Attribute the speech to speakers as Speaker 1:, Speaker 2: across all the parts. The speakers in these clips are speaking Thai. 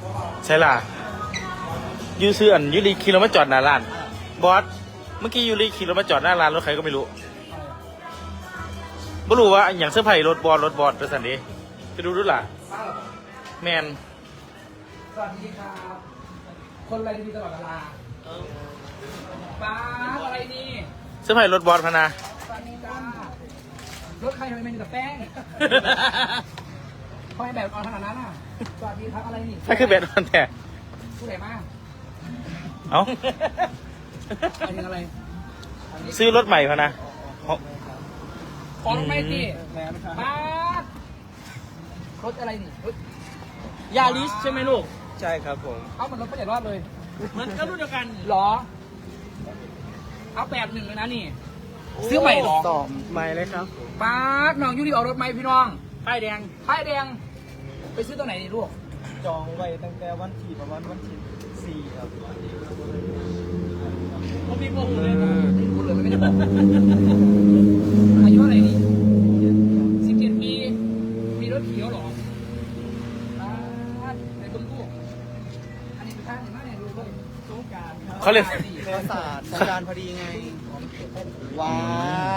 Speaker 1: ใช่ล่ะยูซื้ออันยูรีขี่รถมาจอดหน้าร้านบอสเมื่อกี้ยูรีขี่รถมาจอดหน้าร้านรถใครก็ไม่รู้ไม่รู้ว่าอย่างเสื้อผ้ารถบอสเป็นสันดีไปดูดูล่ะแมน
Speaker 2: สวัสดีครับ คนอะไรดีตลอดเวลาป้าอะไรนี่
Speaker 1: เสื้อผ้ารถบอสพะนา
Speaker 2: สวัสดีจ้ารถใครทำไมมีแต่แป้งทำไมแบบออนขนาดนั้นอ่ะสวัสดีครับอะไรนี่
Speaker 1: ถ้าคือแบดมันแต่
Speaker 2: ผู้ใหญ่มาก
Speaker 1: เอ้า
Speaker 2: อันนี้อะไร
Speaker 1: ซื้อรถใหม่พะนะ
Speaker 2: ขอรถไม่ตีป้ารถอะไรนี่รถ
Speaker 3: ยาลิสใช่ไหมลูก
Speaker 4: ใช่ครับผม
Speaker 2: เอามันรถผู้ใหญ่รอดเลย
Speaker 3: มันก็รุ่นเดียวกัน
Speaker 2: หรอ เอา8-1เลยนะนี่ ซื้อใหม่หรอ
Speaker 4: ตอบใหม่เลยครับผม
Speaker 2: ป้าน้องยูริเอารถไหมพี่น้อง
Speaker 3: ป้ายแดง
Speaker 2: ป้ายแดง ไปซื้อตัวไหนนี่ลูก
Speaker 4: จองไว้ตั้งแต่วันที่ประมาณวันที่4ครับ
Speaker 3: เขามีพวกเลย
Speaker 2: ไม่รู้เลยไม่ได้บอกอายุเท่าไหร่นี่17 ปี มีรถเขียวเหรอในต้นกู้อันนี้เป็นท่าไหนมากเนี่ยดูเลย
Speaker 3: สงการครับ
Speaker 1: เขาเรียก
Speaker 4: เทศศาสตร์สงการพอดีไงว้าย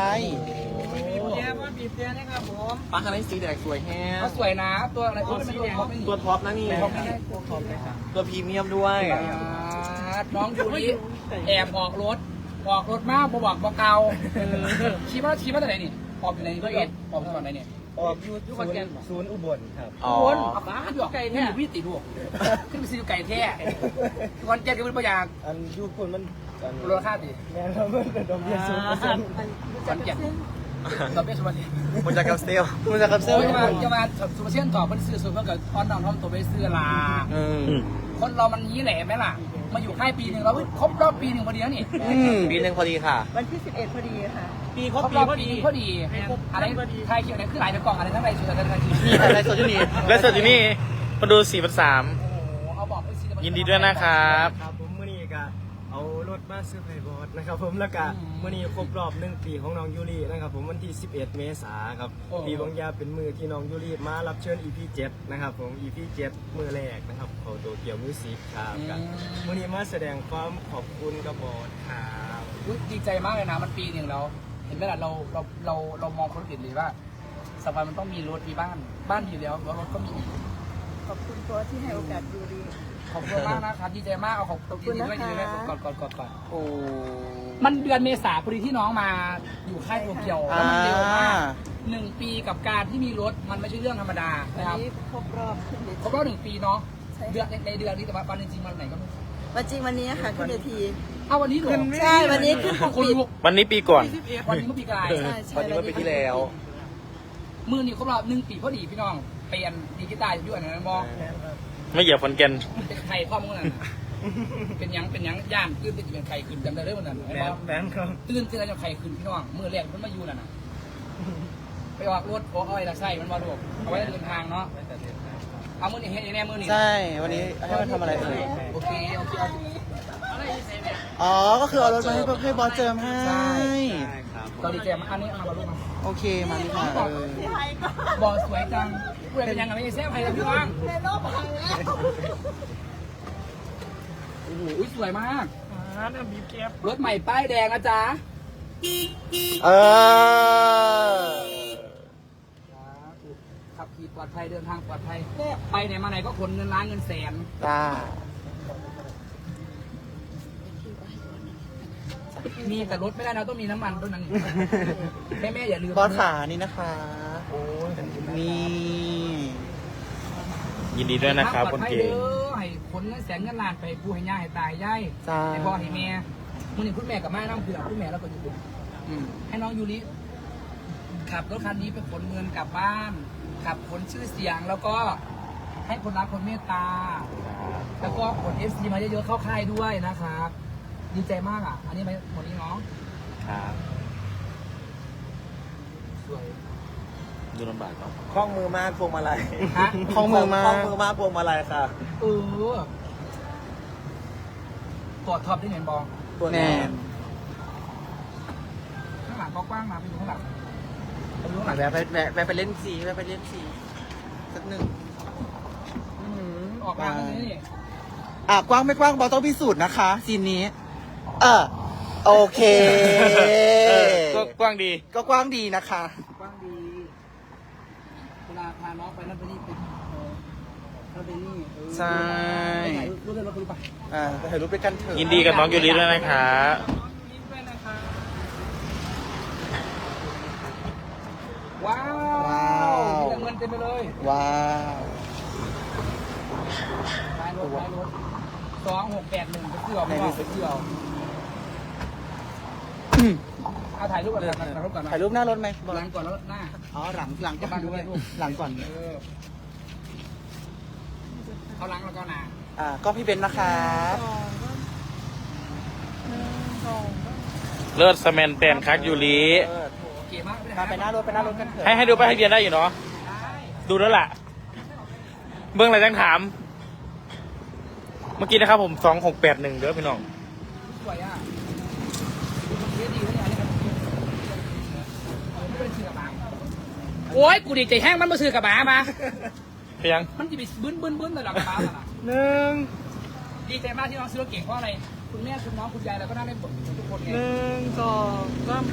Speaker 3: บีบแย่ว่าบีบแย่นะครับผม
Speaker 4: ปลาคันนี้สีแดงสวยแฮะ
Speaker 2: เขาสวยนะ ตัวอะไรตัวสีแดง
Speaker 4: ตัวท็อปนะนี่
Speaker 2: ตัวไม่ได้ตัวท็อปเลยค่ะ
Speaker 4: ตัวพรีเมียมด้วย
Speaker 2: น้องยูริแอบออกรถมากบอกเกาชี้ว่าตัวไหนนี่ออกอยู่ไหนนี่ออกตอนไหนเนี่ย
Speaker 4: ออกอยู่ศูนย์อุบลครับ
Speaker 2: คนบ้าอยู่ไก่แท้พี่ติดลูกขึ้นไปซื้อไก่แท้วันเจ็ดก็เป็นประหยัด
Speaker 4: อันยูคนมันอัน
Speaker 2: มูลค่าดิ
Speaker 4: แม่เราเมื่อเป็นดอกเบี้ย0%
Speaker 2: วันเจ็ดดอกเบี้ยสุวรรณ
Speaker 4: มันจะกับเซลมันจะกับเซล
Speaker 2: โอ้ยจะมาสุภาเชียนตอบเป็นซื้อส่วนเพื่อนกับออนนอนทอมตัวไปซื้อลาคนเรามันนี้แหละไหมล่ะมาอยู่ค่ายปีหนึ่งเราครบรอบปีหนึ่งพอดีแล้วนี่
Speaker 4: ปีหนึ่งพอดีค่ะ
Speaker 5: วันที่ 11 พอดีค่ะ
Speaker 3: ปีค
Speaker 2: ค
Speaker 3: ร
Speaker 2: ร
Speaker 3: บบ ปี
Speaker 2: รอบ
Speaker 3: พอ
Speaker 2: ปี
Speaker 3: ดี
Speaker 2: พอดีอะไรใครเขียวไหนคือหลายในกล่องอะไรทั้งในสุดทั้งในที
Speaker 4: นี่อะไรโซจูนี่
Speaker 1: และส่วนที่นี่มาดู4,300
Speaker 2: โอ้โหเอาบอกไปสิ
Speaker 1: ยินดีด้วยนะครับ
Speaker 4: ครับผมมื่อนี้ก็เอารถมาซื้อไพบอสนะครับผมแล้วก็มื่อนี้ครบรอบ1 ปีของน้องยูรินะครับผมวันที่11 เมษายนครับปีบางยาเป็นมือที่น้องยูริมารับเชิญ EP 7นะครับผม EP 7มือแรกนะครับเขาโตเกียวมิวสิกครับกันมื่อนี้มาแสดงความขอบคุณกับบอสครับ
Speaker 2: ดีใจมากเลยนะมันปีหนึ่งแล้วเห็นไหมล่ะเรามองคนอื่นเลยว่าสักวันมันต้องมีรถมีบ้านอยู่แล้วแล้วรถก็มี
Speaker 5: ขอบคุณโค้ชที่ให้โอกาสยูรี
Speaker 2: ขอบคุณมากนะครับดีใจมากเอาขอบ
Speaker 5: ขอบคุณนะคะ
Speaker 2: ยินดีด้วยก่อน
Speaker 4: โอ้
Speaker 2: มันเดือนเมษาพอดีที่น้องมาอยู่ค่ายโตเกียวแล้วมันเร็วมาก1 ปีกับการที่มีรถมันไม่ใช่เรื่องธรรมดา
Speaker 5: วัน
Speaker 2: นะครับ
Speaker 5: นี้ครบรอบขึ้นเว
Speaker 2: ครบ
Speaker 5: ที
Speaker 2: รอบ1 ปีเนาะ
Speaker 5: ใช่
Speaker 2: เดือนในเดือนนี้แต่ว่าวันจริงๆวันไหนก็ไม่รู้
Speaker 5: วันจริงวันนี้ค่ะขึ้นเวที
Speaker 2: เอาวันนี้เหรอ
Speaker 5: ใช่วันนี้ขึ้นปก
Speaker 2: คน
Speaker 5: ปิด
Speaker 2: ลุก
Speaker 1: วันนี้ปีก่อน
Speaker 2: วันนี้เมื่อปีกาย
Speaker 5: ใช่ใช่
Speaker 4: วันนี้ก็ปีที่แล้ว
Speaker 2: มือนี่ครบรอบ1 ปีพอดีพี่น้องเปลี่ยนดีกีตาร์อยู่อันนั้นบอ
Speaker 1: ไม่เหยียบคนแก่น
Speaker 2: เป็นไข่ข้อมือนั่นน่ะเป็นหยังย่านตื่นติดเป็นไข่ขึ้นจำได้เลยวันนั้นไอ้บอ
Speaker 4: แบนครับ
Speaker 2: ตื่นอะไรจะไข่ขึ้นพี่น้องมือแรกมันมาอยู่นั่นน่ะไปออกรถเอาไว้ละไส้มันมาลูกเอาไว้เดินทางเนาะเอามือนี่เฮ็ดแน่มือนี่
Speaker 4: ใช่ วันนี้ให้มันทำอะไรเอ่ย
Speaker 2: โอเคเอา
Speaker 4: อ๋อ ก็คือเอารถมาให้บอสเจิมให้
Speaker 2: ใช่
Speaker 4: ครับ
Speaker 2: ตอนดีเจมาอันนี้เอามาลูกมา
Speaker 4: โอเค มาดีค่ะเลย
Speaker 2: บอสวยจังพูดอะไรเป็นยังไงไม่ใช่แซ่บใครเลยพี่น้องโอ้โหสวยมาก
Speaker 3: บีบแก้
Speaker 2: รถใหม่ป้ายแดงนะจ๊ะ
Speaker 4: เออ
Speaker 2: ขับขี่ปลอดภัยเดินทางปลอดภัยไปไหนมาไหนก็ขนเงินล้านเงินแสน
Speaker 4: จ้า
Speaker 2: มีแต่รถไม่ได้นะต้องมีน้ำมันด้วยนั้นแม่อย่าลืม
Speaker 4: บอสขานี่นะคะ
Speaker 2: โอ้ย
Speaker 4: นี่
Speaker 1: ยินดีด้วยนะครับคนเก่ง
Speaker 2: ให้ขนเงินแสนเงินล้านไปผู้ให้ย่าให้ตายย่าย
Speaker 4: จ้า
Speaker 2: ให้พ่อให้แม่มื่อนี้คุณแม่กับแม่น้ำเผือกคุณแม่แล้วก็อยู่ให้น้องยูริขับรถคันนี้ไปขนเงินกลับบ้านขับขนชื่อเสียงแล้วก็ให้คนรักคนเมตตา แล้วก็ขน FC มาเยอะๆเข้าค่ายด้วยนะครับดีใจมากอ่ะ อันนี้ไปหมดนี้เนาะ
Speaker 1: ครับ
Speaker 2: สวย
Speaker 1: ดูลำบากเนาะ
Speaker 4: คล้องมือมากพวงมาลัย
Speaker 2: ฮะ
Speaker 4: คล้องมือมากพวงมาลัยค่ะ
Speaker 2: เออตรวจท็อปได้เห็นบอง
Speaker 4: ตัวแน่
Speaker 2: ข้างหลังกว้างๆมาไปดูข้างหลังไปดูข้างหลัง
Speaker 4: แวะไปเล่นสีแวะไปเล่นสีสักหนึ่ง
Speaker 2: ออกมาตรงนี้นี่
Speaker 6: กว้างไม่กว้างบอต้องพิสูจน์นะคะซีนนี้โอเค
Speaker 1: ก็กว้างดี
Speaker 6: ก็กว้างดีนะคะ
Speaker 2: กว้างดีเวลาพาน้องไปนั่นไปนี่ไปนั่นไปนี่
Speaker 6: ใช่
Speaker 2: ไปถ่ายรูปเลยเราไปดูไป
Speaker 6: ไปถ่ายรูปด้วยกันเถอะ
Speaker 1: ยินดีกับน้องยูริด้วยนะคะ
Speaker 3: ยิ้มด้วยนะคะ
Speaker 2: ว้าวมีแต่เงินเต็มไปเลย
Speaker 6: ว้าว
Speaker 2: ท้ายรถ2681ไปเที่ยวไม่ว่าไปเที่ยวเอาถ่ายรูปก่อนถ่ายรูปก่อน
Speaker 6: ถ่ายรูปหน้ารถไหม
Speaker 2: หลังก่อนแล้วหน้า
Speaker 6: หลังก่อนด้วยหลังก่อน
Speaker 2: เอาหลังแล้วก็หน้า
Speaker 6: ก็พี่เบนซ์นะครับ
Speaker 1: เลิศสแมนแตนคักยูริ
Speaker 2: โอเคมากเลย
Speaker 6: ไปหน้ารถกันเถอะ
Speaker 1: ให้ดูไปให้เรียนได้อยู่เนาะ ดูแล้วล่ะ เบื้องอะไรจังถาม เมื่อกี้นะครับผม 2681เด้อพี่น้อง
Speaker 2: สวยอ่ะเยอะดีเลยอันนี้ครับไม่เป็นชื่อกระบะโอ้ยกูดีใจแห้งมันมาซื้อกระบะมา
Speaker 1: เพียง
Speaker 2: มันจะไปบึ้นแต่ละกระบะน่ะ
Speaker 4: 1
Speaker 2: ดีใจมากที่น้องซื้อรถเก่งเพราะอะไร คุณแม่คุณน้องคุณยายเราก็นั่งเล่นบททุกคนไง
Speaker 4: 1 2 3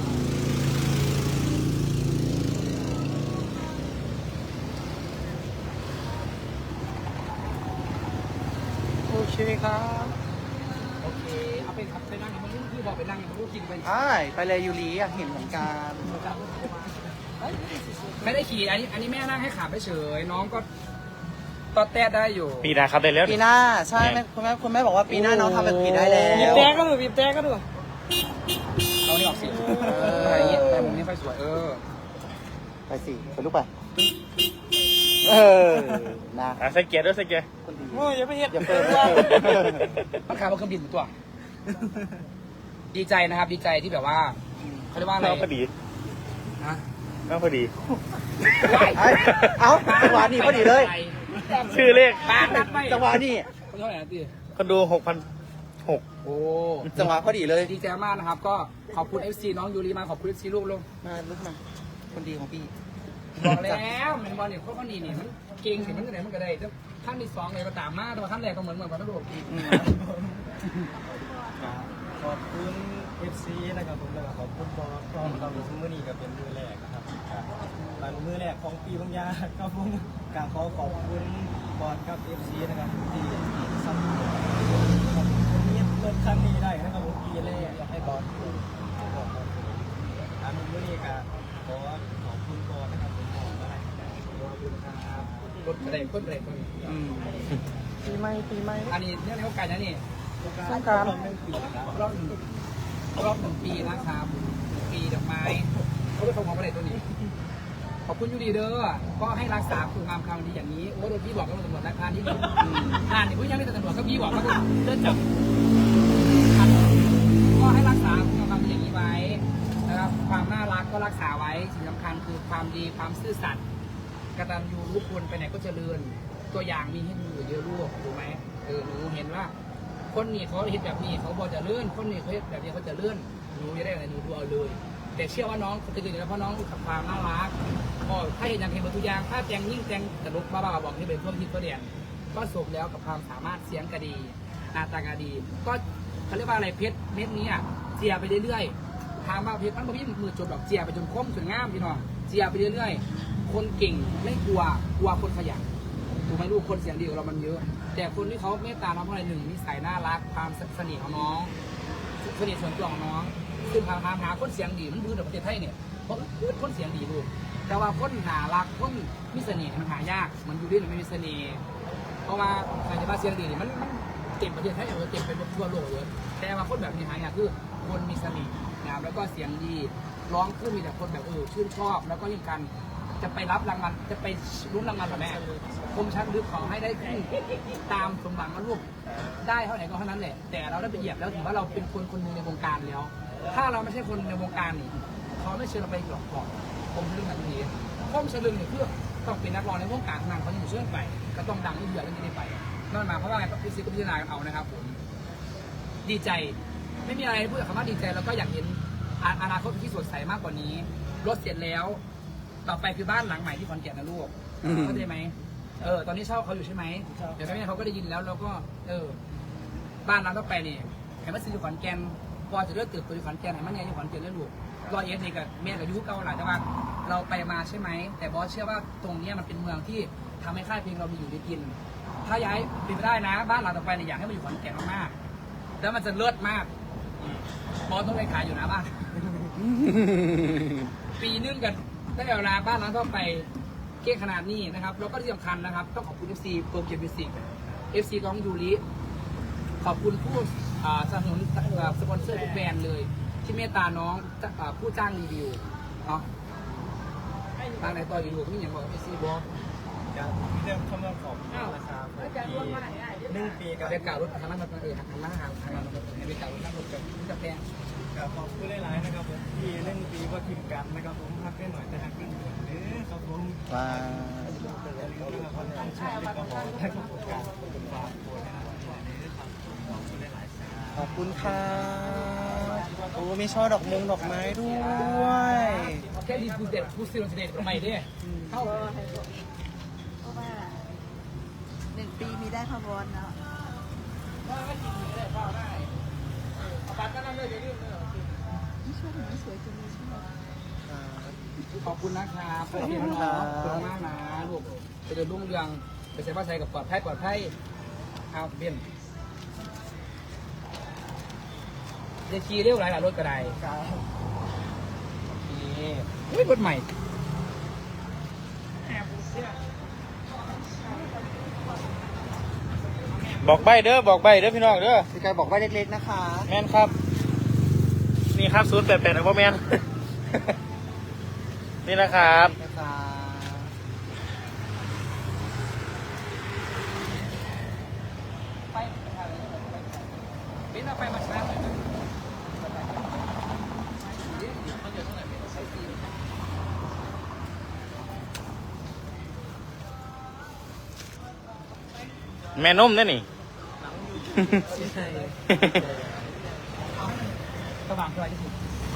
Speaker 4: โอเคครับ
Speaker 2: โอเค เอาไปขับไปนั่งมันนี่คือบอกไปนั่งมันก็กินไป
Speaker 6: ไปเลยยูริอยากเห็นเหมือนกัน
Speaker 2: ไม่ได้ขี่ อันนี้แม่นั่งให้ขาไปเฉย น้องก็ตอดแตะได้อยู่
Speaker 1: ปีหนาครับได้แล้ว
Speaker 6: ปีหน้าใช่คุณแม่บอกว่าปีหน้าน้องทำแบบปีได้แล้ว
Speaker 3: บีบแต่ก็ดูบีบแต่ก็ดู
Speaker 2: เอานี่ออกสิอะไรอย่างเงี้ยแต่มุมนี้ไฟสวย
Speaker 6: ไปสิไปลูกไปนะ
Speaker 1: ใส่เกียร์ด้วยใส่เกียร์
Speaker 6: คนดี
Speaker 3: โอ้ยอย่าไปเห็ด
Speaker 6: อย่าเปิด
Speaker 2: มันขาบนเครื่องบินตัว ดีใจนะครับ ดีใจที่แบบว่าเขาเรียกว่าอะไร
Speaker 1: น้องพอดี
Speaker 2: ฮะ
Speaker 1: น้องพอดี
Speaker 6: เอาจังหวะนี้พอดีเลย
Speaker 1: ชื่อเลข
Speaker 2: ปากนัดไป
Speaker 6: จังหวะนี้
Speaker 2: เท่าไหร่นะตี
Speaker 1: คนดู6,600
Speaker 2: โอ้
Speaker 6: จังหวะพอดีเลย
Speaker 2: ดีใจมากนะครับ ก็ขอบคุณ FC น้องยูรีมาขอบคุณ FC ลูกลง
Speaker 6: มาลุกมาคนดีของพี่
Speaker 2: บอกแล้วมันบอลเนี่ยโคตรดีนี่มันเก่งถึงมันก็ได้มันก็ได้ขั้นที่2เลยก็ตามมาแต่ว่าขั้นแรกก็เหมือนพัทลุงอีก
Speaker 4: ขอบคุณ FC นะครับผมแล้วก็ขอบคุณบอสพร้อมกับมือนี้ก็เป็นมือแรกนะครับเป็นมือแรกของปีบางยาครับผมกราบขอบคุณบอสกับ FC นะครับที่สนับสนุนครับวันนี้เปิดครั้งนี้ได้นะครับผมปีแรกอยากให้บอสมือนี้ก็ขอบคุณบอสนะครับผมบอกอะไรขอบคุณครับ
Speaker 2: รถอะไรคนอะไรคน
Speaker 6: ปีใหม่
Speaker 2: อันนี้เนี่ยเขาไก่นะนี่
Speaker 6: สงกรานต์
Speaker 2: รอบ1 ปีนะครับ1 ปีดอกไม้เขาไปส่งของประเด็นตัวนี้ ขอบคุณยูดีเด้อก็ให้รักษาคุณงามความดีอย่างนี้โอ้โดนพี่บอกกับตำรวจราคาที่นี่อ่านนี่ผู้ยังไม่แต่ตำรวจก็พี่บอกว่าเลื่อนจับก็ให้รักษาคุณงามความดีอย่างนี้ไว้นะครับความน่ารักก็รักษาไว้สิ่งสำคัญคือความดีความซื่อสัตย์กตัญญูรู้คุณไปไหนก็เจริญตัวอย่างมีให้ดูเยอะลูกถูกไหมหนูเห็นว่า คนนี้เขาเห็นแบบนี้เขาบอกจะเลื่อนคนนี้เขาเห็นแบบนี้เขาจะเลื่อนหนูจะได้อะไรหนูดูเอาเลย แต่เชื่อว่าน้องจะตื่นแล้วเพราะน้องขับความน่ารักก็ถ้าเห็นอย่างเห็นบนทุกอย่างถ้าแจงยิ่งแจงตลกบ้าๆบอกให้เป็นเพื่อนพิษก็เดียนก็สมแล้วกับความสามารถเสียงกระดีหน้าตากระดี ก็เขาเรียกว่าอะไรเพชรเม็ดนี้อ่ะเจียไปเรื่อยๆทางมาเพชรมันไม่มีมือจบดอกเจียไปจนคมจนง่ามพี่น้องเจียไปเรื่อยๆคนเก่งไม่กลัวคนขยันถูกไหมลูกคนเสียงดีของเรามันเยอะ แต่คนที่เขาเมตตาน้องเพราะอะไร1นิสัยน่ารักความสนิทของน้องสนิทส่วนตัวของน้องซึ่งหาคนเสียงดีมันพื้นในประเทศไทยเนี่ยเพราะคนเสียงดีลูกแต่ว่าคนน่ารักคนมีเสน่ห์มันหายากมันอยู่ด้วยมันไม่มีเสน่ห์เพราะว่าใครจะมาเสียงดีเนี่ยมันเต็มประเทศไทยเต็มไปทั่วโลกเลยแต่ว่าคนแบบนี้หายากคือคนมีเสน่ห์นะครับแล้วก็เสียงดีร้องขึ้นมีแต่คนแบบชื่นชอบแล้วก็ยิ่งกันจะไปรับรางวัลจะไปรุ้นรางวัลแบบแม่คมชัดลึกขอให้ได้ขึ้นตามสมหวังนะลูกได้เท่าไหร่ก็เท่านั้นแหละแต่เราได้ไปเหยียบแล้วถือว่าเราเป็นคนหนึ่งในวงการแล้ว ถ้าเราไม่ใช่คนในวงการนี่เขาไม่เชิญเราไปหลอกก่อนผมเรื่องแบบนี้ผมเชิญเนี่ยเพื่อต้องเป็นนักร้องในวงการนานเขาอยู่เชื่อไปก็ต้องดังที่เดือดเรื่องนี้ไปนั่นหมายความว่าไงพี่ซิก็พิจารณาเอานะครับผมดีใจไม่มีอะไรพูดแต่คำว่าดีใจแล้วก็อยากเห็นอนาคตที่สดใสมากกว่านี้รถเสร็จแล้วต่อไปคือบ้านหลังใหม่ที่ขอนแก่นนะลูกเข้าใจไหมตอนนี้เช่าเขาอยู่ใช่ไหมเดี๋ยวแม่เขาก็ได้ยินแล้วเราก็บ้านเราต้องไปนี่แห่มาซื้ออยู่ขอนแก่นพอจะเลือกตึกตัวอยู่ขอนแก่นไหนมันเนี่ยอยู่ขอนแก่นแล้วลูก100นี่กับแม่กับยุคเก่าหลายแต่ว่าเราไปมาใช่ไหมแต่บอสเชื่อว่าตรงนี้มันเป็นเมืองที่ทำให้ค่ายเพลงเรามีอยู่ได้กิน ถ้าย้ายเป็นไปได้นะ บ้านเราต่อไปเนี่ยอยากให้มันอยู่ขอนแก่นมากๆแล้วมันจะเลิศมากบอสต้องไปขายอยู่นะบ้าน ปีนึงกันได้เวลาบ้านเราต้องไปเก่งขนาดนี้นะครับแล้วก็ที่สำคัญนะครับต้องขอบคุณ FC โตเกียวมิวสิก FC น้องยูริขอบคุณผู้สนับสนุนสปอนเซอร์ทุกแบรนด์เลย ที่เมตตาน้องผู้จ้างรีวิวเนาะทางไหนต่ออยู่ก็มีอย่างบอก FC บอส
Speaker 4: การเรื่องคำว่าขอบคุณนะครับที่1 ปีกับ
Speaker 2: เรียกกล่าวรถทางนั้นมาทางนั้นทางนั้นเรียกกล่าวรถนั่งรถกับแพง
Speaker 4: ขอบคุณหลายๆนะครับผมที่1 ปีก็ทีมกันนะครับผมพักได้หน่อยแต่หักกันอยู่ครับผม
Speaker 6: ว้า
Speaker 4: คนตั้งชื่อเรียกก็บอกให้ขอบคุณการเป็นฝากตัวนะครับขอบคุณหลายๆ
Speaker 6: ขอบคุณค่ะโอ้มีช่อดอกไม้ด้วย
Speaker 2: แค่ดีผู้เด็ดผู้ซื้อเด็ดใหม่เนี่ยเข้า
Speaker 5: เพราะว่า1 ปีมีได้พะบอลเนาะ
Speaker 2: เอาปัดก็นั่งเลยเดี๋ยวรีบเลย
Speaker 5: ไม่ชอบหนูสวยจังเลยชอบ
Speaker 2: ขอบคุณนะครับขอบคุณน้องขอบคุณมากนะลูกไปเดินรุ่งเรืองไปใส่ผ้าใส่กับปลอดภัยเอาเบี้ยนเดี๋ยวขี่เร็วหลายรถกระไดโอเคเฮ้ยรถใหม่
Speaker 1: บอกใบเด้อพี่น้องเด้อ
Speaker 6: พี่กายบอกว่าเล็กๆนะคะ
Speaker 1: แมนครับ นี่ครับ088นะพ่อแมน นี่นะครับ
Speaker 6: นะคะ
Speaker 2: ไปเป็นเอาไปมาช้าเลย
Speaker 1: แม่นมเนี่ยนี่
Speaker 2: กระบะเท่าไหร่ที่สุด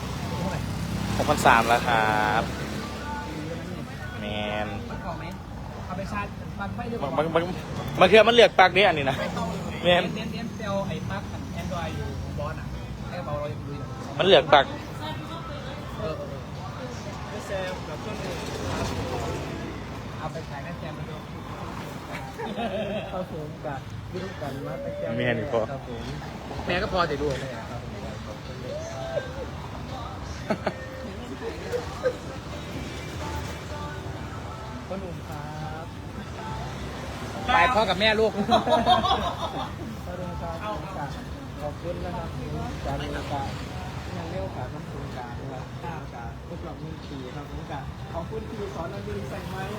Speaker 1: 6,300แล้วครับแมน
Speaker 2: มันก่อไหมเอาไปชาร์จมันไม่เรียก
Speaker 1: บางเทื่อมันเลือกปากนี้อันนี้นะแมน
Speaker 2: เน้นเซลไอ้ปลั๊กแอนดรอยอยู่บอสอ่ะให้เบาเราอยู่ดูอยู่
Speaker 1: มันเลือกปาก
Speaker 4: ไม่แซมกับต้นอื่น
Speaker 2: เอาไปขายแม่แจมไปดู
Speaker 4: เข้าสูงกับวิธีการมาแต่แก้ว
Speaker 1: แมนพอ
Speaker 4: ครับผม
Speaker 2: แม่ก็พอแต่ดู
Speaker 4: พ่อหนุ่มครับ
Speaker 2: ไปพ่อกับแม่ลูก
Speaker 4: พ่อหนุ่มครับขอบคุณนะครับการมีการยังเลี้ยวขาน้ำสูงกลางนะครับการทดลอง1 ปีครับผมกับขอบคุณที่สอนเราดูใส่ไม้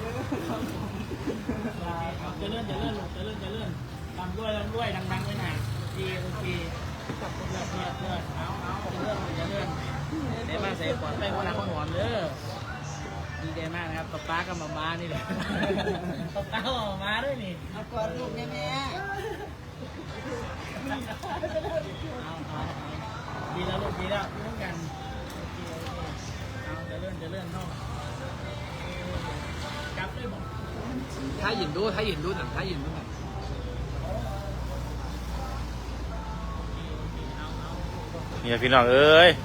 Speaker 4: นะครับ
Speaker 3: จะเลื่อนลำด้วยดังๆไว้หน่อยโอเคจับคนละเลื่อนเอาจะเลื่อนเดี๋ยวมาใส่ก่อนไปคนละคนหอมเด้อดีใจมากนะครับป๊ากับมานี่แหละป๊ากับมาด้วยนี่
Speaker 5: เอาก่อนลูกแม่
Speaker 3: ดีแล้วลูกดีแล้วร่วมกันเอาจะเลื่อนเนาะจับด้วยบอก
Speaker 2: ถ้าหยินดูหน่อยถ้าหยินดูหน่อย
Speaker 1: เนี่ยพี่น้องเอ้ย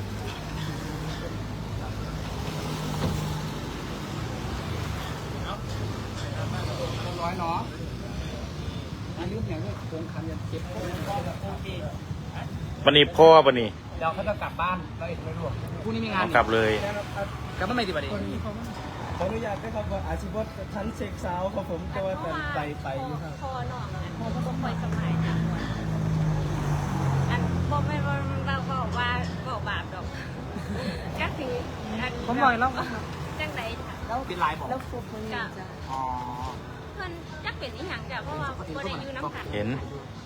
Speaker 2: ร้อยเนาะอันนี้อย่างนี้โครงคันยันเจ็บ
Speaker 3: โอเค
Speaker 1: วันนี้พ่อวันนี้
Speaker 2: เดี๋ยวเขาจะกลับบ้านเราเอกไม่รู้พรุ่งนี้มีงาน
Speaker 1: กลับเลย
Speaker 2: กลับบ้านไม่ดีป่ะดิ
Speaker 4: ขออนุญาตด้วยครับว่าอาชีพชั้นเช็คสาวครับผมตัวแต่ไปอยู่ครับ
Speaker 7: พอหนองพอบ่ค่อยสบายนะอันบ่แม่นว่าเราบอกว่าบอกบาปดอกจักสิอัน
Speaker 2: ผมหน่อยแล้ว
Speaker 7: จังได๋
Speaker 2: เป็นลายบอก
Speaker 5: แล้วฟุกคนนี้จ้ะ
Speaker 2: อ๋อ
Speaker 7: เพิ่นจักเป็นอีหยังจ้ะเพราะว่าบ่ได้อยู่นำกัน
Speaker 1: เห็น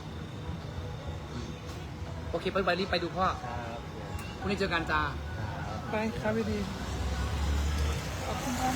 Speaker 2: โอเคไปรีบไปดูพ่อพรุ่งนี้เจอกันจ้า
Speaker 4: ไปครับพี่ดี